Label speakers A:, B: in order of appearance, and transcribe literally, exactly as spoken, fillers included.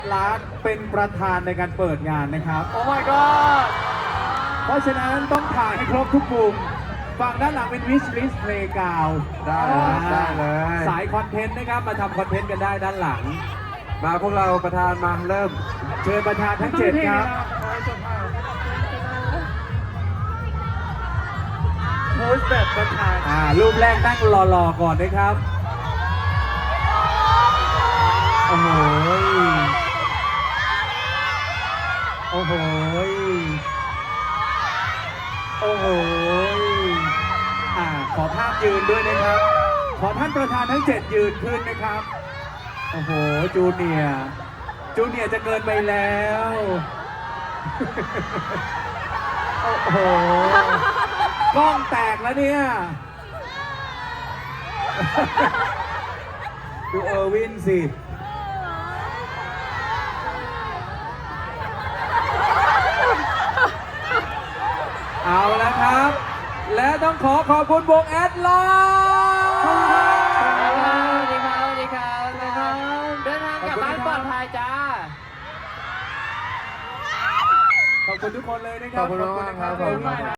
A: ล้านเป็นประธานในการเปิดงานนะครับ
B: โอ้ my god
A: เพราะฉะนั้นต้องถ่ายให้ครบทุกมุมฝั่งด้านหลังเป็น wish list playground
C: ได้เลยได้เลย
A: สายคอนเทนต์นะครับมาทำคอนเทนต์กันได้ด้านหลัง
C: มาพวกเราประธานมาเริ่ม
A: เชิญประธานทั้งเจ็ดครับ
B: โพสแบบประธาน
A: อ่ารูปแรกนั่งรอๆก่อนนะครับ โอ้โหโอ้โหโอ้โหอ่าขอภาพยืนด้วยนะครับ ขอท่านประธานทั้งเจ็ดยืนขึ้นนะครับ โอ้โห จูเนียร์จูเนียร์จะเกินไปแล้ว โอ้โห กล้องแตกแล้วเนี่ย ดูเออร์วินสิ เอาละครับ และต้องขอขอบคุณวงแอดไลน์
B: สวัสดีครับสวัสดีครับสวัสดีครับเดินทางกลับบ้านปลอดภัยจ้า
A: ขอบคุณทุกคนเลยนะครับ
C: ขอบคุณมากครับ
A: ขอบคุณมากครับ